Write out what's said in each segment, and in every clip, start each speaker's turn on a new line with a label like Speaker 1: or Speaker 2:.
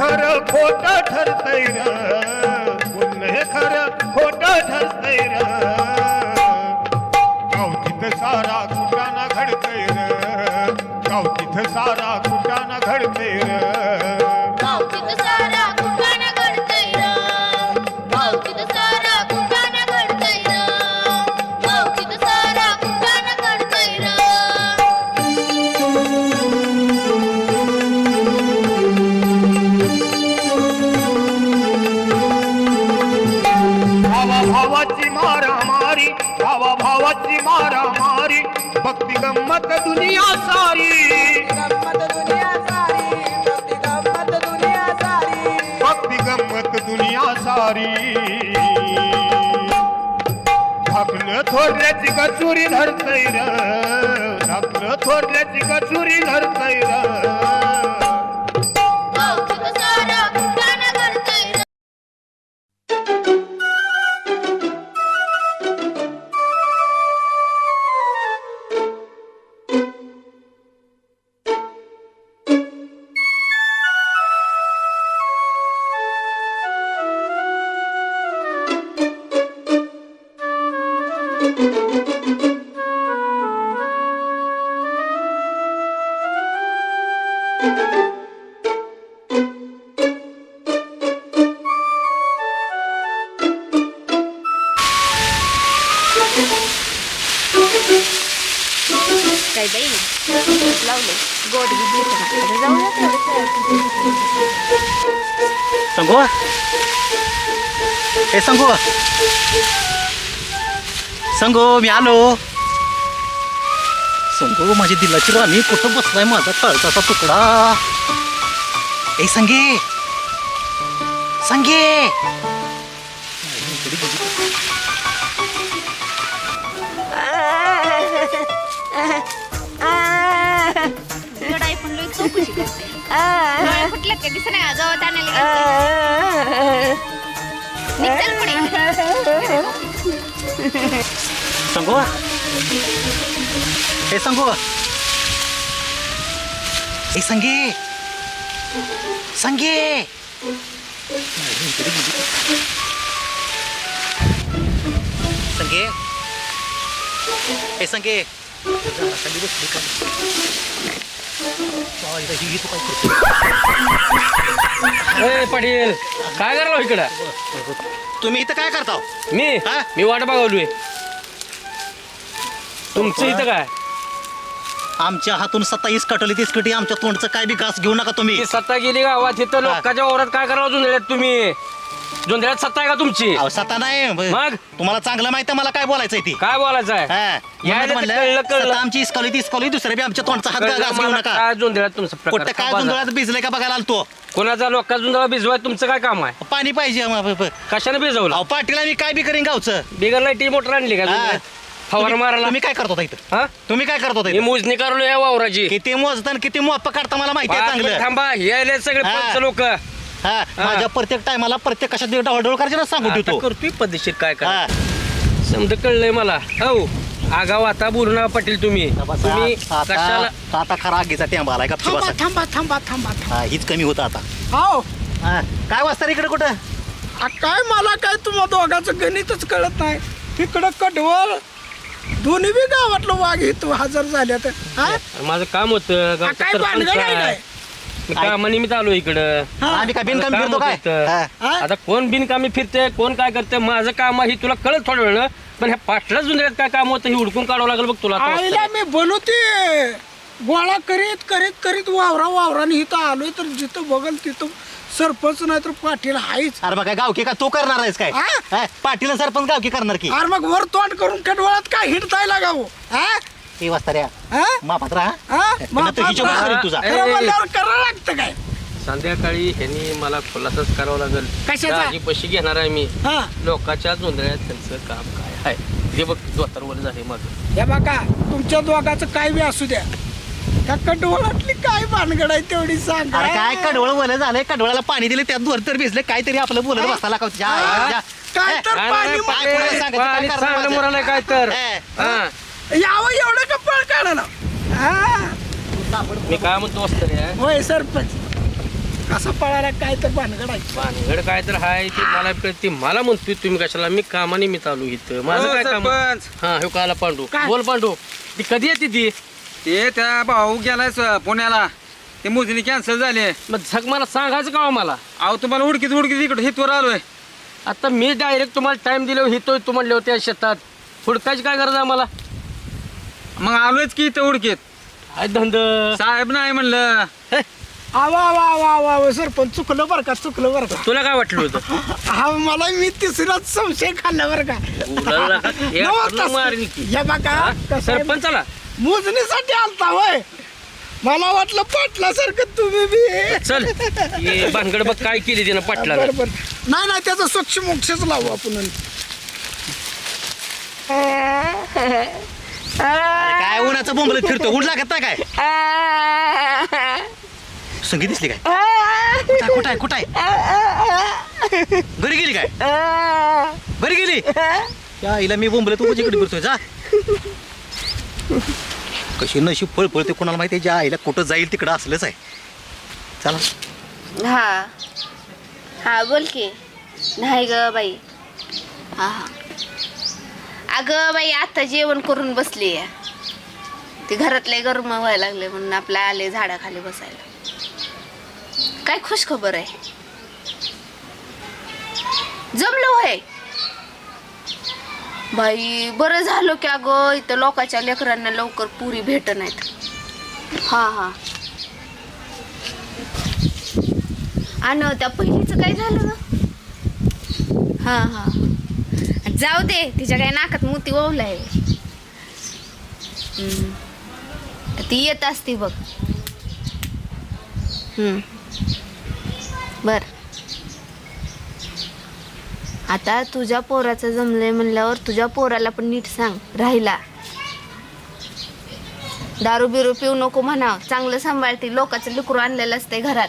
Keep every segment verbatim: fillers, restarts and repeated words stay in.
Speaker 1: खरं खोट ठरतय र, पुण्य खरं खोट ठरतय र, गावतीत सारा कुटाना घडतय र, गावतीत सारा कुटाना घडतय र,
Speaker 2: गावतीत सारा कुटाणा घडतय र, गावतीत सारा कुटाणा घडतय र, गावतीत सारा कुटाणा घडतय र.
Speaker 1: भावा भावाची मारामारी, भावा भावाची मारामारी, भक्ती गंमत दुनिया सारी,
Speaker 3: गंमत दुनिया सारी, भक्ती गंमत दुनिया सारी,
Speaker 1: भक्ती गंमत दुनिया सारी. धाकलं थोरल्याची कचुरी धरतय र, धाकलं थोरल्याची कचुरी धरतय र,
Speaker 2: गावतीत सारा कुटाणा घडतय र.
Speaker 4: काय बाई लावले गोड घेतलं जाऊया
Speaker 5: संगो ए संगो संगो मी आलो. संगो माझी दिलाची राणी कुठं बसलाय माझा तळताचा तुकडा. ए संगे संगे
Speaker 4: लढाई पण लई चौकशी करते. डोळे फुटले का दिसत नाही जवळ आणायला निघतील पुढे.
Speaker 5: संगो ए संगो ए संगे संगे संगे ए संगे खाली बसली का? ही तू काय करतो?
Speaker 6: ए पाटील काय करलो इकडं?
Speaker 5: तुम्ही इथं काय करता?
Speaker 6: मी
Speaker 5: हा?
Speaker 6: मी वाट बघावलोय. तुमचं इथं काय?
Speaker 5: आमच्या हातून सत्तावीस कटोली तीस कटी आमच्या तोंडचं काय बी घास घेऊ नका तुम्ही.
Speaker 6: ती सत्ता गेली गावात इथं लोकांच्या वावरात काय करावं जुंधळ्यात तुम्ही? जुंधळ्यात सत्ता आहे का तुमची?
Speaker 5: अहो सत्ता नाही
Speaker 6: मग?
Speaker 5: तुम्हाला चांगलं माहिती आहे मला काय बोलायचंय ती.
Speaker 6: काय बोलायचं आहे?
Speaker 5: हा.
Speaker 6: यायला
Speaker 5: म्हणून
Speaker 6: तर
Speaker 5: म्हणलं,
Speaker 6: कळलं कळलं.
Speaker 5: सत्ता आमची इसकावली ती इसकावली दुसऱ्या बी आमच्या तोंडचा हात
Speaker 6: कळलं
Speaker 5: घास घेऊ
Speaker 6: मला
Speaker 5: नका.
Speaker 6: काय जुंधळ्यात तुमचं
Speaker 5: कुठं
Speaker 6: प्रकार
Speaker 5: काय
Speaker 6: काय
Speaker 5: जुंधळात भिजलंय का बघायला आलतो.
Speaker 6: कोणाचा लोका जुंधळा भिजवाय तुमचं काय काम आहे?
Speaker 5: पाणी पाहिजे आम्हाला.
Speaker 6: कशाने भिजवलं?
Speaker 5: अहो पाटीला मी काय बी करीन गावचं.
Speaker 6: बिगर लाईटी मोटर आणली का
Speaker 5: हा.
Speaker 6: जुंधळ्यात? फवारा
Speaker 5: तुम्ही-
Speaker 6: मारायला
Speaker 5: तुम्ही काय करत होता इथं?
Speaker 6: हा
Speaker 5: तुम्ही काय करत होता
Speaker 6: मी
Speaker 5: इथं?
Speaker 6: मोजणी करलो या वावराची.
Speaker 5: किती मोजताना किती मोप काढता मला माहिती आहे
Speaker 6: पाच मिनिट
Speaker 5: चांगलं.
Speaker 6: थांबा यायले सगळे
Speaker 5: हा.
Speaker 6: पंच लोक
Speaker 5: हा माझ्या प्रत्येक टायमाला प्रत्येक कशात डवडवळ करायची ना सांगू ठेवतो.
Speaker 6: करतोय पद्धतशीर काय काय
Speaker 5: हा.
Speaker 6: समजा कळलंय मला. हो आगाव आता बोलू नका पाटील तुम्ही तुम्ही कशाला
Speaker 5: आता आता खरा आगीचा टेंबा आलाय का
Speaker 3: थांबा थांबा थांबा थांबा
Speaker 5: हा हीच कमी होतं आता.
Speaker 3: हो
Speaker 5: हा. काय वाजता इकडे कुठं?
Speaker 3: आ, काय मला काय तुम्हा दोघांचं गणितच कळत नाही. तिकडं कडवळ दोन्ही बी गावातलं वाघ इथं हजर झाल्या तर हा?
Speaker 6: माझं काम होतं
Speaker 3: आ,
Speaker 6: गावचं
Speaker 3: काय
Speaker 6: सरपंच
Speaker 3: भानगड आहे
Speaker 6: आहे.
Speaker 3: काय?
Speaker 6: मी कामानिमित्त आलो इकडं.
Speaker 3: हा.
Speaker 5: आम्ही काय बिनकामी
Speaker 6: काम
Speaker 5: फिरतो काय?
Speaker 6: होतं.
Speaker 5: हा.
Speaker 3: हा?
Speaker 6: आता कोण बिनकामी फिरते कोण काय करते माझं काम आहे तुला कळत थोडं वेळ पण ह्या पाटला जुंजऱ्यात काय काम होतं हे हुडकून काढावं लागेल बघ तुला आता
Speaker 3: आईला
Speaker 6: वाजता.
Speaker 3: मी बोलवते गोळा करीत करीत करीत वावरा वावराने इथं आलोय तर जिथं बघल तिथं सरपंच नाही तर पाटील आहेच.
Speaker 5: अरे बघा गावकी का तू करणार आहेस काय?
Speaker 3: हा?
Speaker 5: हा? पाटील आणि सरपंच गावकी करणार की?
Speaker 3: अरे मग वर तोंड करून कडवळात काय हिंडताय लागाव हा
Speaker 5: ते वाजता रे
Speaker 3: हा?
Speaker 5: मापात राहा.
Speaker 3: हा?
Speaker 5: पुन्हा तो हिशोब
Speaker 3: मापात
Speaker 5: करेल
Speaker 3: राहा.
Speaker 5: तुझा.
Speaker 3: खरं म्हणल्यावर करावं लागतं काय?
Speaker 6: संध्याकाळी ह्यांनी मला खुलासाच करावा लागेल
Speaker 3: कशाचा?
Speaker 6: दाजी पशी घेणार आहे मी
Speaker 3: हा
Speaker 6: लोकांच्या जोंधळ्यात त्यांचं काम काय आहे हे बघ दोतारवर झाले मग
Speaker 3: हे बघा तुमच्या दोघांचं काय बी असू द्या त्या कडवळातली काय भानगड आहे तेवढी सांगा.
Speaker 5: अरे काय कडवळ बोल झालंय कडवळाला पाणी दिले त्यात धोर तर भिजले काहीतरी आपलं बोलत बसता का? जा,
Speaker 3: हा?
Speaker 5: जा.
Speaker 3: काय तर
Speaker 6: काय
Speaker 3: पाणी
Speaker 6: नाही,
Speaker 5: पाय
Speaker 6: पाटील,
Speaker 5: कोणाला सांगायचं, काय
Speaker 6: पाणी
Speaker 5: करणार
Speaker 6: चांगलं
Speaker 5: माझं?
Speaker 6: मुरालंय काय तर
Speaker 5: हे.
Speaker 6: हा.
Speaker 3: यावं एवढं का पळ काढा ना हा
Speaker 6: मी काय म्हणतो असतं रे
Speaker 3: होय सरपंच कसा पळाला काय तर भानगड आहे.
Speaker 6: भानगड काय तर हाय ते मला कळते. मला म्हणतोय तुम्ही कशाला, मी कामानिमित्त आलो इथं. माझं काय काम? हा हे काला पांडू.
Speaker 3: काय?
Speaker 6: बोल पांडू, ती कधी येते ती?
Speaker 7: ते त्या भाऊ गेलाय स- पुण्याला, ते मोजणी कॅन्सल झाली.
Speaker 6: मग झक मला सांगायचं का हो मला?
Speaker 7: अहो तुम्हाला उडकीत उडकीत इकडे हितवर आलोय.
Speaker 6: आता मी डायरेक्ट तुम्हाला टाइम दिले हितोय तू म्हणले होते शेतात. हुडकायची काय गरज आहे मला?
Speaker 7: मग आलोयच की इथं उडकीत.
Speaker 6: काय धंद?
Speaker 7: साहेब नाही म्हणलं.
Speaker 3: आवा वा वा वा वा सरपंच चुकलं बरं का चुकलं बरं का.
Speaker 6: तुला काय वाटलं होतं?
Speaker 3: हा मला मी तिसराच संशय खाल्ला बरं का.
Speaker 6: उलाला का? हे
Speaker 3: नवा
Speaker 6: आपलं
Speaker 3: तसं-
Speaker 6: मारीन की.
Speaker 3: हे बघा
Speaker 6: हा?
Speaker 3: कसं आहे,
Speaker 6: सरपंचाला
Speaker 3: मोजणीसाठी आलता होय. मला वाटलं पाटलासारखं तुम्ही बी.
Speaker 6: चल ये भानगड बघ काय केली तिनं पाटला.
Speaker 3: बरं बरं नाही नाही त्याचा स्वच्छ मोक्षच लावू आपण.
Speaker 5: काय उन्हाचं बोंबलत फिरतो, ऊन लागत नाही काय? संगीत दिसली काय? कुठं कुठं आहे कुठं आहे? घरी गेली काय? घरी गेली त्या आईला मी बोंबलत तू इकडे फिरतोय. जा कशी नशी फळ फळते कोणाला माहिती आहे. ज्या आईला कुठं जाईल तिकडं असलंच आहे. चला
Speaker 4: हा हा बोल की. नाही ग बाई. हा हा अगं बाई आता जेवण करून बसली आहे. ते घरातले गरम व्हायला लागले म्हणून आपल्या आले झाडाखाली बसायला. काय खुश खबर आहे? जमलं होय बाई. बरं झालं की अगं इथं लोकांच्या लेकरांना लवकर पुरी भेट नाहीत. हा हा आणि त्या पहिलीचं काय झालं ग? हा हा जाऊ दे, तिच्या काय नाकात मोती ओवलाय. हम्म. ती येत असती बघ. हम्म बर आता तुझ्या पोराचं जमलंय म्हणल्यावर तुझ्या पोराला पण नीट सांग राहिला. दारू बिरू पिऊ नको म्हणाव. चांगलं सांभाळते. लोकांचं लेकरू आणलेलं असतंय घरात.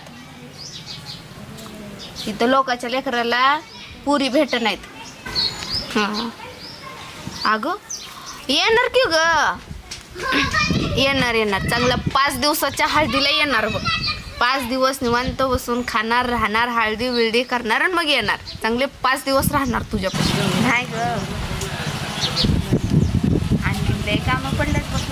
Speaker 4: तिथं लोकांच्या लेकराला पुरी भेट नाहीत. हां अगं येणार की ग? येणार येणार चांगला पाच दिवसाच्या हळदीला येणार बघ. पाच दिवस निवांत बसून खाणार राहणार हळदी विळदी करणार आणि मग येणार. चांगले पाच दिवस राहणार तुझ्यापासून. नाही ग आणि लय कामं पडल्यात बघ.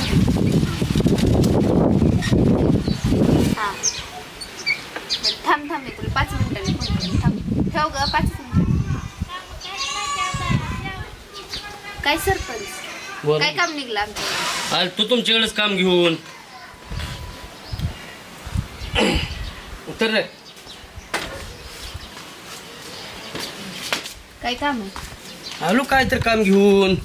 Speaker 4: हां थांब थांब मी तुला पाच मिनिटांनी फोन करेन. थांब ठेव ग पाच मिनिट. काय सरपंच
Speaker 6: बोल.
Speaker 4: काय काम निघलं आमचं?
Speaker 6: आज तू तुमच्याकडेच काम घेऊन उतर रे.
Speaker 4: काय काम आहे?
Speaker 6: आलो काय तर काम घेऊन.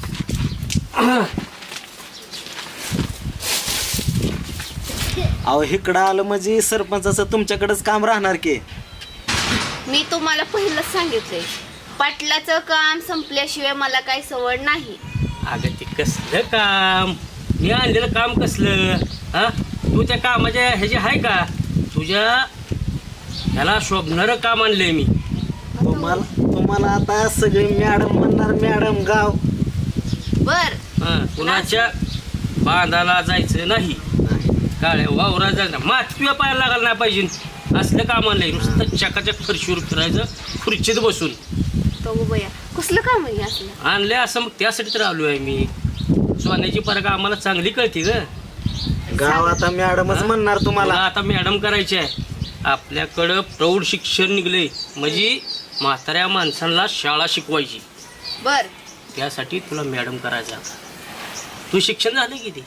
Speaker 5: अहो इकडं आलं म्हणजे सरपंचाचं तुमच्याकडेच काम राहणार की.
Speaker 4: मी तुम्हाला पहिलंच सांगितलंय पाटलाचं काम संपल्याशिवाय मला काही सवड नाही.
Speaker 6: अगं ते कसलं काम? मी आणलेलं काम कसलं? हा तू त्या कामाच्या ह्याची आहे का? तुझ्या ह्याला शोभणारं काम आणलंय मी.
Speaker 5: तुम्हाला तुम्हाला आता सगळे मॅडम म्हणणार मॅडम गाव.
Speaker 4: बर
Speaker 6: हा कुणाच्या बांधाला जायचं नाही, काळ्या वावरात जायचं, मातीला पायाला लागायला नाही पाहिजे. असलं काम आणलंय. नुसतं चकाचक फरशीवर फिरायचं, खुर्चीत बसून.
Speaker 4: तो बया कसलं काम आहे असलं?
Speaker 6: आणलंय असं मग त्यासाठी तर आलो आहे मी. सोन्याची परग आम्हाला चांगली कळते ग.
Speaker 5: गाव आता मॅडमच म्हणणार तुम्हाला.
Speaker 6: मला आता मॅडम करायची आहे. आपल्याकडं प्रौढ शिक्षण निघले म्हणजे म्हाताऱ्या माणसांना शाळा शिकवायची.
Speaker 4: बर
Speaker 6: त्यासाठी तुला मॅडम करायचं आता. तू शिक्षण झालं किती?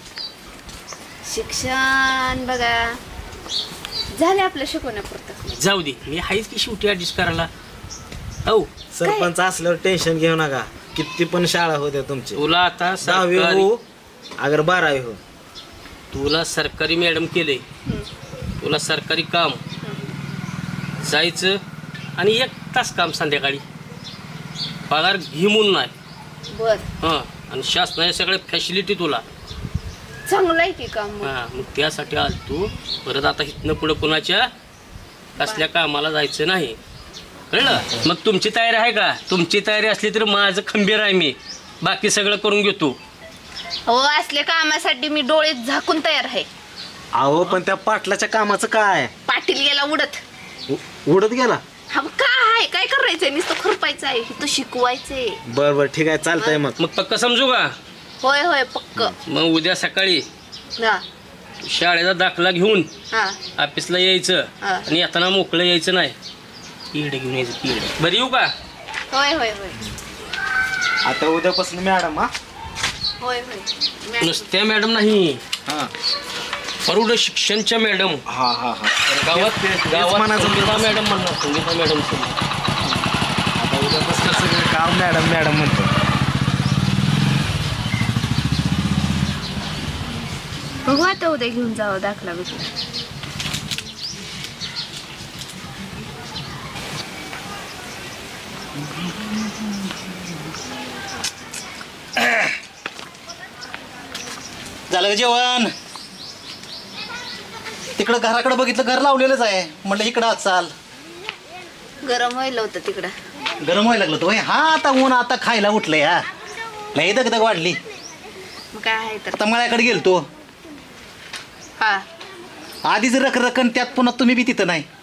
Speaker 4: शिक्षण बघा झाले आपलं शिकवण्यापुरतं.
Speaker 6: जाऊ दे, मी आहेच की शेवटी ॲडजस्ट करायला. हो
Speaker 5: सरपंच असल्यावर टेन्शन घेऊ नका. किती पण शाळा होत्या तुमची.
Speaker 6: तुला आता
Speaker 5: दहावी
Speaker 6: सरकारी
Speaker 5: हो अगर बारावी हो.
Speaker 6: तुला सरकारी मॅडम केले. तुला सरकारी काम जायचं आणि एक तास काम संध्याकाळी. पगार घे म्हणून नाही.
Speaker 4: बर
Speaker 6: हां आणि शासनाच्या सगळ्या फॅसिलिटी तुला.
Speaker 4: चांगलं आहे की काम मग.
Speaker 6: हां मग त्यासाठी आल तू. परत आता इथनं पुढं कुणाच्या कसल्या कामाला जायचं नाही, कळलं? मग तुमची तयारी आहे का? तुमची तयारी असली तर माझं खंबीर आहे मी. बाकी सगळं करून घेतो.
Speaker 4: हो असल्या कामासाठी मी डोळे झाकून तयार आहे.
Speaker 5: अहो पण त्या पाटलाच्या कामाचं काय?
Speaker 4: पाटील गेला उडत.
Speaker 5: उ- उडत गेला
Speaker 4: हा मग काय आहे काय करायचंय नुसतं खुरपायचं आहे तो शिकवायचंय.
Speaker 5: बर बर ठीक आहे चालतंय मग.
Speaker 6: मग पक्क समजू का?
Speaker 4: होय होय पक्क.
Speaker 6: मग उद्या सकाळी
Speaker 4: हा
Speaker 6: शाळेचा दाखला घेऊन
Speaker 4: हा
Speaker 6: ऑफिसला यायचं
Speaker 4: हा.
Speaker 6: आणि येताना मोकळं यायचं नाही. पीड घेऊन यायचं पीड. बरं येऊ का?
Speaker 4: होय होय होय
Speaker 5: आता उद्यापासून मॅडम हा
Speaker 4: होय होय.
Speaker 6: नुसत्या मॅडम नाही,
Speaker 5: हा
Speaker 6: प्रौढ शिक्षणच्या मॅडम.
Speaker 5: हा हा हा
Speaker 6: गावात
Speaker 5: तेच- तेच
Speaker 6: गावात
Speaker 5: म्हणायचं
Speaker 6: संगीता
Speaker 5: होतं.
Speaker 6: मॅडम म्हणणार, संगीता मॅडम.
Speaker 5: आता उद्यापासून सगळं काम मॅडम मॅडम म्हणतो.
Speaker 4: बघू आता उद्या घेऊन जावं दाखला बिकला.
Speaker 5: झालं का जेवण? तिकडं घराकडे बघितलं घर लावलेलंच आहे म्हटलं इकडं आज चाल.
Speaker 4: गरम व्हायला होतं तिकडं.
Speaker 5: गरम व्हायला लागलं तो हा आता ऊन आता खायला उठलंय हा लई दगदग वाढली.
Speaker 4: मग काय आहे तर.
Speaker 5: आता मळ्याकडे गेलतो
Speaker 4: हा
Speaker 5: आधीच रख रखन त्यात पुन्हा तुम्ही बी तिथं नाही.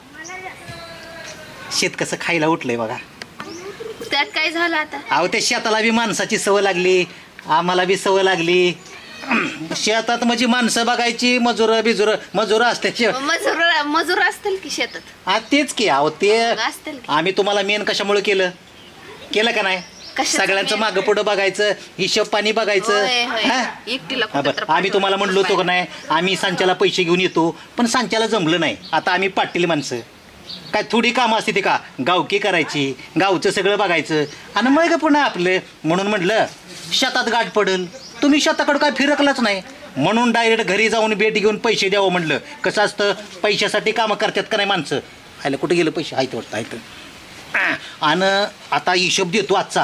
Speaker 5: शेत कसं खायला उठलंय बघा.
Speaker 4: त्यात काय झालं आता.
Speaker 5: अहो त्या शेताला बी माणसाची सवय लागली आम्हाला बी सवय लागली. शेतात म्हणजे माणसं बघायची मजूर बिजूर मजूर असते शे-
Speaker 4: मजूर मजूर असतील की शेतात.
Speaker 5: हा तेच की अहो ते
Speaker 4: असतील की.
Speaker 5: आम्ही तुम्हाला मेन कशामुळे केलं केलं का नाही
Speaker 4: कशाचं
Speaker 5: सगळ्यांचं
Speaker 4: main?
Speaker 5: मागं पुढं बघायचं हिशोब पाणी बघायचं
Speaker 4: होय, होय.
Speaker 5: हा?
Speaker 4: एकटीला
Speaker 5: हा
Speaker 4: कुठं तर
Speaker 5: बरं, आम्ही तुम्हाला म्हणलो होतो का
Speaker 4: पाठवायला.
Speaker 5: नाही आम्ही सांच्याला पैसे घेऊन येतो पण सांच्याला जमलं नाही. आता आम्ही पाटील माणसं काय थोडी कामं असते ते का गावकी करायची गावचं सगळं बघायचं आणि मग पुन्हा आपलं म्हणून म्हटलं शेतात गाठ पडल तुम्ही शेताकडं काय फिरकलाच नाही म्हणून डायरेक्ट घरी जाऊन भेट घेऊन पैसे द्यावं म्हणलं. कसं असतं पैशासाठी कामं करतात का नाही माणसं. आयला कुठे गेलं पैसे आहेत वाटतं आहेत आणि आता हिशोब देतो आजचा.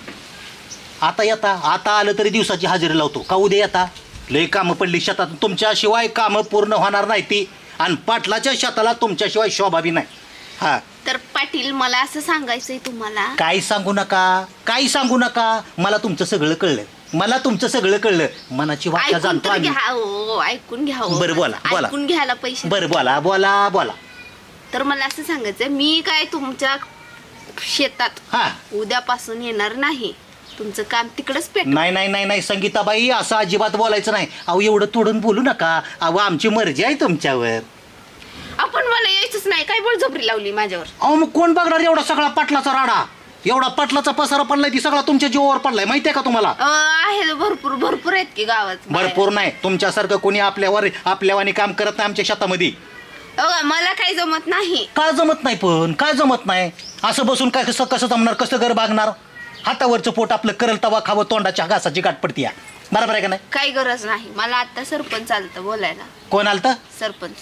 Speaker 5: आता येता आता आलं तरी दिवसाची हजेरी लावतो का उद्या येता लई कामं पडली शेतात तुमच्याशिवाय कामं पूर्ण होणार नाही ती आणि पाटलाच्या शेताला तुमच्याशिवाय शोभा बी नाही. हा
Speaker 4: तर पाटील मला असं सांगायचंय तुम्हाला.
Speaker 5: काही सांगू नका काही सांगू नका मला तुमचं सगळं कळलं मला तुमचं सगळं कळलं मनाची वाचा
Speaker 4: ऐकून
Speaker 5: जाणतो
Speaker 4: तर
Speaker 5: आम्ही.
Speaker 4: घ्या हो ऐकून घ्या हो.
Speaker 5: बरं, बोला, बोला.
Speaker 4: ऐकून घ्यायला पैसे.
Speaker 5: बरं बोला बोला बोला.
Speaker 4: तर मला असं सांगायचंय मी काय तुमच्या शेतात
Speaker 5: हा
Speaker 4: उद्यापासून येणार नाही. तुमचं काम तिकडच पेट.
Speaker 5: नाही नाही नाही नाही संगीताबाई असं अजिबात बोलायचं नाही. अहो एवढं तोडून बोलू नका अहो आमची मर्जी आहे तुमच्यावर.
Speaker 4: आपण मला यायचंच नाही काय बळजबरी लावली माझ्यावर.
Speaker 5: अहो मग कोण बघणार एवढा सगळा पाटलाचा राडा एवढा पाटलाचा पसारा पडलाय ती सगळा तुमच्या जीवावर पडलाय माहितीये का तुम्हाला.
Speaker 4: अं, आहे भरपूर भरपूर आहेत की गावात.
Speaker 5: भरपूर नाही तुमच्यासारखं कोणी आपल्यावर आपल्यावानी काम करत नाही आमच्या शेतामध्ये.
Speaker 4: अगं, मला काही जमत नाही.
Speaker 5: काय जमत नाही पण काय जमत नाही असं बसून काय कसं कसं जमणार कसं घर बागणार. हातावरचं पोट आपलं करल तवा खावं तोंडाच्या घासाची गाठ पडती बरोबर आहे का नाही.
Speaker 4: काही गरज नाही मला आता सरपंच आलतं बोलायला.
Speaker 5: कोण आलतं
Speaker 4: सरपंच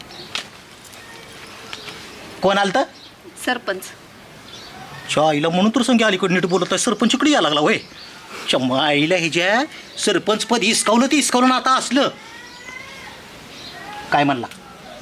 Speaker 5: कोण आलतं
Speaker 4: सरपंच.
Speaker 5: आईला म्हणून तर संगी अलीकडे नीट बोलत आहे सरपंच इकडे यायला लागला होय. आईला ह्याच्या सरपंच पद हिसकावलं ते हिसकावलं आता असलं काय म्हणला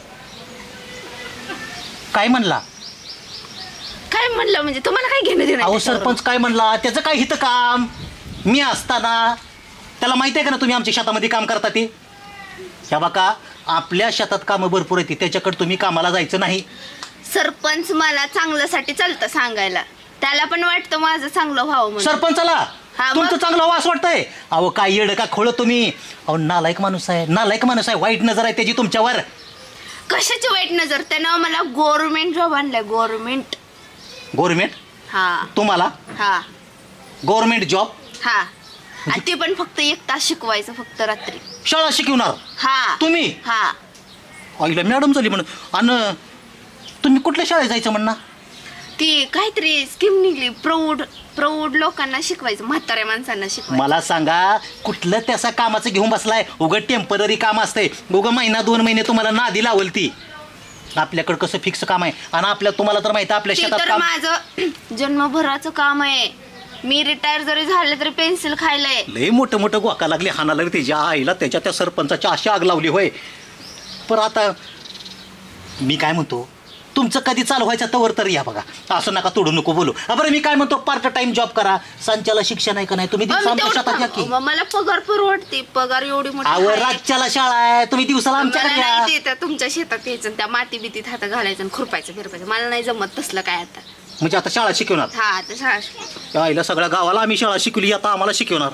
Speaker 5: काय म्हणला
Speaker 4: काय म्हणलं म्हणजे तुम्हाला काय घेणं देणं
Speaker 5: अहो
Speaker 4: त्याच्यावर?
Speaker 5: सरपंच काय म्हणला त्याचं काय हितं काम मी असताना त्याला माहिती आहे का ना तुम्ही आमच्या शेतामध्ये काम करता ते. ह्या बघा आपल्या शेतात कामं भरपूर येते त्याच्याकडे तुम्ही कामाला जायचं नाही.
Speaker 4: सरपंच मला चांगल्यासाठी चालतं सांगायला त्याला पण वाटतं माझं चांगलं व्हावं म्हणून.
Speaker 5: सरपंचाला
Speaker 4: हा, मग?
Speaker 5: तुमचं चांगलं वास वाटतंय. अहो काय येड का खोळ तुम्ही अहो नालायक माणूस आहे नालायक माणूस आहे वाईट नजर आहे त्याची तुमच्यावर.
Speaker 4: कशाची वाईट नजर त्यानं मला गव्हर्नमेंट जॉब आणलाय गव्हर्नमेंट.
Speaker 5: गव्हर्नमेंट
Speaker 4: हा
Speaker 5: तुम्हाला
Speaker 4: हा
Speaker 5: गव्हर्नमेंट जॉब
Speaker 4: हा आणि ते पण फक्त एक तास शिकवायचं फक्त रात्री.
Speaker 5: शाळा शिकवणार
Speaker 4: हा
Speaker 5: तुम्ही
Speaker 4: हा
Speaker 5: आईला मॅडम झाली म्हणून. आणि तुम्ही कुठल्या शाळेत जायचं म्हणणार.
Speaker 4: ती काहीतरी स्कीम निघली प्रौढ प्रौढ लोकांना शिकवायचं म्हाताऱ्या माणसांना शिकवायचं.
Speaker 5: मला सांगा कुठलं त्याचा कामाचं घेऊन बसलाय उगं टेम्पररी काम असतंय उगं महिना दोन महिने तुम्हाला नादी लावल ती. आपल्याकडं कसं फिक्स काम आहे आणि आपल्या तुम्हाला तर माहिती आहे आपल्या
Speaker 4: ते
Speaker 5: शेतात
Speaker 4: तर
Speaker 5: काम
Speaker 4: माझं जन्मभराचं काम आहे. मी रिटायर जरी झाले तरी पेन्सिल खायलाय.
Speaker 5: लय मोठं मोठं गोका लागले हाना लागले त्याच्या आईला त्याच्या त्या सरपंचाची अशी आग लावली होय. पण आता मी काय म्हणतो तुमचं कधी चालू व्हायचं तवर तर या बघा. असं नका तोडू नको बोलू. हा, बरं मी काय म्हणतो, पार्ट टाइम जॉब करा. संचाला शिक्षण आहे का नाही? तुम्ही दिवसा आमच्या शेतात या की.
Speaker 4: मग मला पगार परवडते. पगार एवढी मोठी
Speaker 5: अहो
Speaker 4: आहे.
Speaker 5: राज्याला शाळा आहे, तुम्ही दिवसाला आमच्याकडे
Speaker 4: मला
Speaker 5: या.
Speaker 4: नाही ते त्या तुमच्या शेतात यायचं आणि त्या माती बितीत हात घालायचं आणि खुरपायचं फिरपायचं. मला नाही जमत तसलं काय आता.
Speaker 5: म्हणजे आता शाळा शिकवणार?
Speaker 4: हा आता शाळा शिक-
Speaker 5: त्या आईला सगळ्या गावाला आम्ही शाळा शिकवली, आता आम्हाला शिकवणार.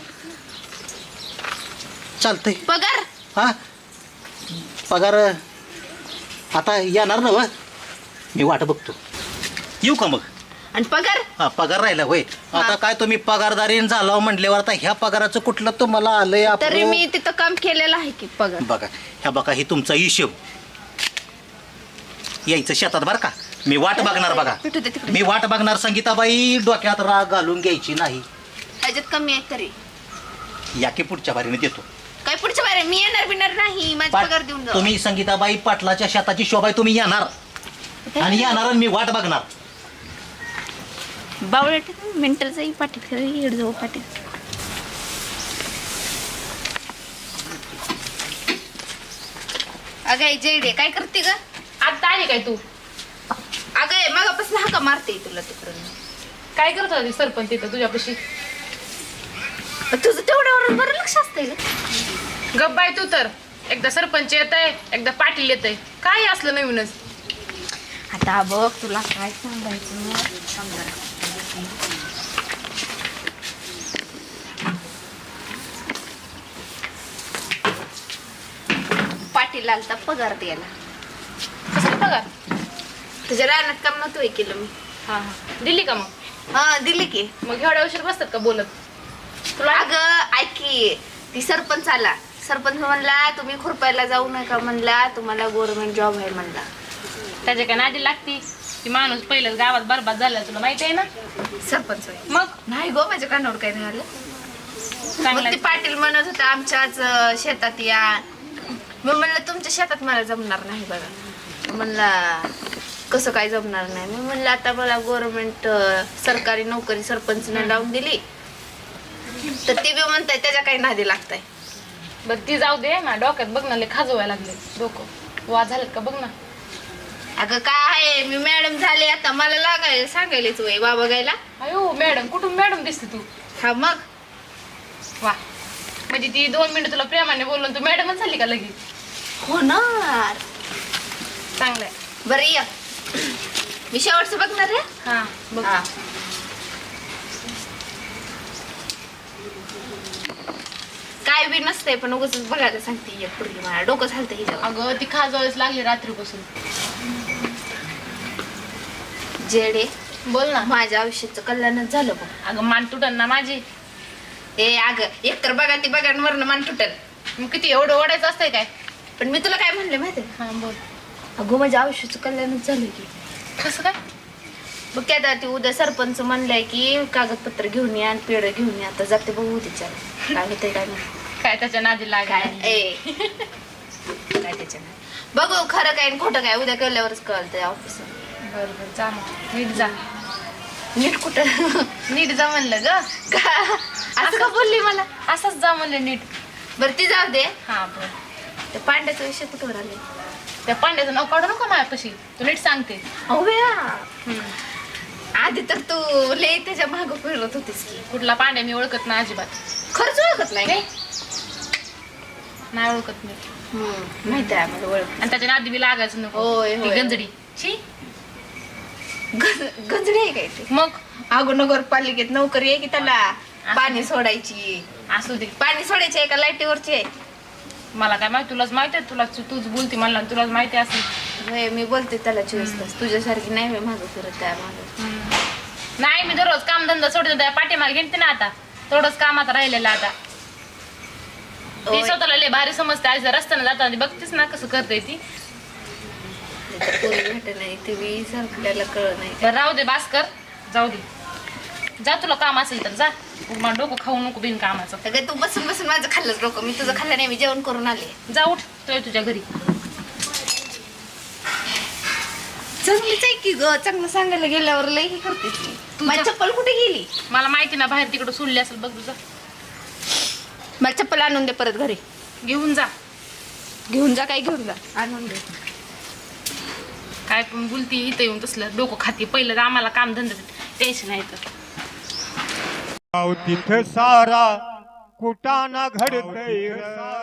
Speaker 5: चालतंय.
Speaker 4: पगार
Speaker 5: हा पगार आता येणार ना व, मी वाट बघतो. येऊ का मग?
Speaker 4: आणि पगार
Speaker 5: हा पगार राहिला होय. आता काय तुम्ही पगारदारीन झाला म्हटल्यावर आता ह्या पगाराचं कुठलं तुम्हाला आलंय?
Speaker 4: तरी
Speaker 5: आपलं-
Speaker 4: मी तिथं काम केलेलं आहे की पगार.
Speaker 5: बघा ह्या बघा, ही तुमचा हिशोब. यायचं शेतात बरं का, मी वाट बघणार बघा.
Speaker 4: भेटू दे तिकडे.
Speaker 5: मी वाट बघणार. संगीताबाई डोक्यात राग घालून घ्यायची नाही.
Speaker 4: ह्याच्यात कमी आहे तरी
Speaker 5: या की पुढच्या बारीने देतो.
Speaker 4: काय पुढच्या बारे मी येणार बिणार नाही. माझा
Speaker 5: पाट-
Speaker 4: पगार देऊन जा.
Speaker 5: तुम्ही संगीताबाई पाटलाच्या शेताची शोभा आहे, तुम्ही येणार आणि येणार आणि मी वाट बघणार.
Speaker 4: बावळट मेंटल जाई पाठी हेड जाऊ पाठी. अगं जेडे काय करते ग?
Speaker 2: आता आली काय तू?
Speaker 4: अगं मगापासून हाका मारते तुला तिकडून.
Speaker 2: काय करत होती सरपंच तिथं तुझ्यापाशी?
Speaker 4: तुझं तेवढ्यावर बरं लक्ष असतंय ग.
Speaker 2: गप बाय तू तर. एकदा सरपंच येत आहे, एकदा पाटील येत आहे. काय असलं नवीनच?
Speaker 4: आता बघ तुला काय सांगायचं. पाटील आलता पगार द्यायला.
Speaker 2: कसं पगार?
Speaker 4: तुझ्या रानात काम नव्हतं केलं मी.
Speaker 2: हा हा दिली का मग?
Speaker 4: हा दिली की.
Speaker 2: मग एवढ्या उशीर बसतात का बोलत?
Speaker 4: तुला अगं ऐक की, ती सरपंच आला. सरपंच म्हणला तुम्ही खुरपायला जाऊ नका म्हणला, तुम्हाला गव्हर्नमेंट जॉब आहे म्हणला.
Speaker 2: त्याच्या काय नादी लागती? ती माणूस पहिलंच गावात बरबाद झाला, तुला माहिती आहे ना?
Speaker 4: सरपंच होय.
Speaker 2: मग
Speaker 4: नाही गो माझ्या कानावर काय झालं.
Speaker 2: चांगलं
Speaker 4: मग ती पाटील म्हणत होता आमच्याच अं, शेतात या. मी म्हणलं तुमच्या शेतात मला जमणार नाही बघा. म्हणला कसं काय जमणार नाही? मी म्हणलं आता मला गव्हर्नमेंट सरकारी नोकरी सरपंचने लावून दिली, तर ती बी म्हणताय त्याच्या काही नादी लागताय.
Speaker 2: बरं ती जाऊ दे. ना डोक्यात बघ ना, लय खाजवायला लागले डोकं. वाद झालेत का बघ ना.
Speaker 4: अगं काय मी मॅडम झाले आता, मला लागायला सांगायलाच वय बाबा गायला.
Speaker 2: अयो मॅडम, कुठून मॅडम दिसते तू?
Speaker 4: हा मग
Speaker 2: वा, म्हणजे ती दोन मिनिटं तुला प्रेमाने बोलून तू मॅडमच झाली का लगेच?
Speaker 4: होणार.
Speaker 2: चांगलंय.
Speaker 4: बरं या मी शेवटचं बघणार आहे.
Speaker 2: हा बघ.
Speaker 4: हा. काय बी नसतंय पण उगाच बघायला सांगते एक पूर्वी. मला डोकं झालतं हिच्यावर.
Speaker 2: अगं ती खाजवायच लागली रात्रीपासून.
Speaker 4: जेडे
Speaker 2: बोल ना.
Speaker 4: माझ्या आयुष्याचं कल्याणच झालं बघ.
Speaker 2: अगं मान तुटन ना माझी.
Speaker 4: ए अगं एकतर बघा ती बघा वरनं मान तुटल.
Speaker 2: मग किती एवढं ओढायचं असतंय काय?
Speaker 4: पण मी तुला काय म्हणले माहितीये?
Speaker 2: हा बोल.
Speaker 4: अगो माझ्या आयुष्याचं कल्याणच झालं की.
Speaker 2: कसं काय?
Speaker 4: बघ काय आता ती उद्या सरपंच म्हणलंय की कागदपत्र घेऊन या आणि पेढ घेऊन या. आता जाते बघू तिच्या काय होतंय काय नाही.
Speaker 2: काय त्याच्या नादी
Speaker 4: काय
Speaker 2: लागाय?
Speaker 4: ए काय त्याच्या नाही. बघू खरं काय आणि खोटं काय उद्या कळल्यावरच कळतं ऑफिस.
Speaker 2: बरं बरं जा मग. नीट जा.
Speaker 4: नीट कुठं?
Speaker 2: नीट जा म्हणलं ग.
Speaker 4: का असं का बोलली मला?
Speaker 2: असंच जा म्हणलं नीट.
Speaker 4: बरं ती जाऊ दे.
Speaker 2: हा बरं.
Speaker 4: ते पांड्याचा विषय कुठवर आले?
Speaker 2: त्या पांड्याचं नाव काढू नका माझ्यापाशी. तू नीट सांगते.
Speaker 4: अहो बेया आधी तर तू लय त्याच्या मागं फिरत होतीस की.
Speaker 2: कुठला पांड्या मी ओळखत नाही अजिबात.
Speaker 4: खरंच ओळखत नाही काय?
Speaker 2: नाही ओळखत मी.
Speaker 4: माहिती आहे मला ओळख.
Speaker 2: आणि त्याच्या नादी बी लागायचं नको.
Speaker 4: होय,
Speaker 2: ती
Speaker 4: होय.
Speaker 2: गंजडी. छी.
Speaker 4: गज- गंजडी आहे काय ते?
Speaker 2: मग
Speaker 4: अगो नगरपालिकेत नोकरी आहे की त्याला पाणी सोडायची.
Speaker 2: असू दे.
Speaker 4: पाणी सोडायची आहे का लाईटीवरची आहे?
Speaker 2: मला काय माहिती? तुलाच माहिती आहे. तुला तूच बोलती मला. तुलाच माहिती असेल.
Speaker 4: होय, मी बोलते त्याला चोवीस तास. तुझ्यासारखी नाही मी मागं फिरत त्या मागं.
Speaker 2: नाही मी दररोज कामधंदा सोडते. त्या पाठीमागे घेते ना आता. थोडंच काम आता राहिलेलं आता. ती
Speaker 4: होय.
Speaker 2: स्वतःला लय भारी समजते. आज रस्त्याने जाताना बघतेस ना कसं करते ती.
Speaker 4: नाहीतर पोरी भेटत नाही ते बी आपल्याला कळत नाही.
Speaker 2: बरं राहू दे भास्कर. जाऊ दे. जा तुला काम असेल तर जा. मला डोकं खाऊ नको बिन कामाचं.
Speaker 4: अगं तू बसून बसून माझं खाल्लंच डोकं. मी तुझं खाल्लं नाही. मी जेवण करून आले.
Speaker 2: जा उठ. तो तुझ्या घरी.
Speaker 4: चांगलीच आहे की ग. चांगलं सांगायला गेल्यावर लई हे करते ती. माझी चप्पल कुठे गेली?
Speaker 2: मला माहिती ना बाहेर तिकडं सोडली असेल बघ तुझा.
Speaker 4: मला चप्पल आणून दे परत घरी.
Speaker 2: घेऊन जा.
Speaker 4: घेऊन जा काय घेऊन जा आणून दे.
Speaker 2: काय पण बोलती इथं येऊन तसलं डोकं खाती. पहिलं तर आम्हाला काम धंदा टेन्शन आहे तर.
Speaker 1: गाव तिथं सारा कुटाना घडतय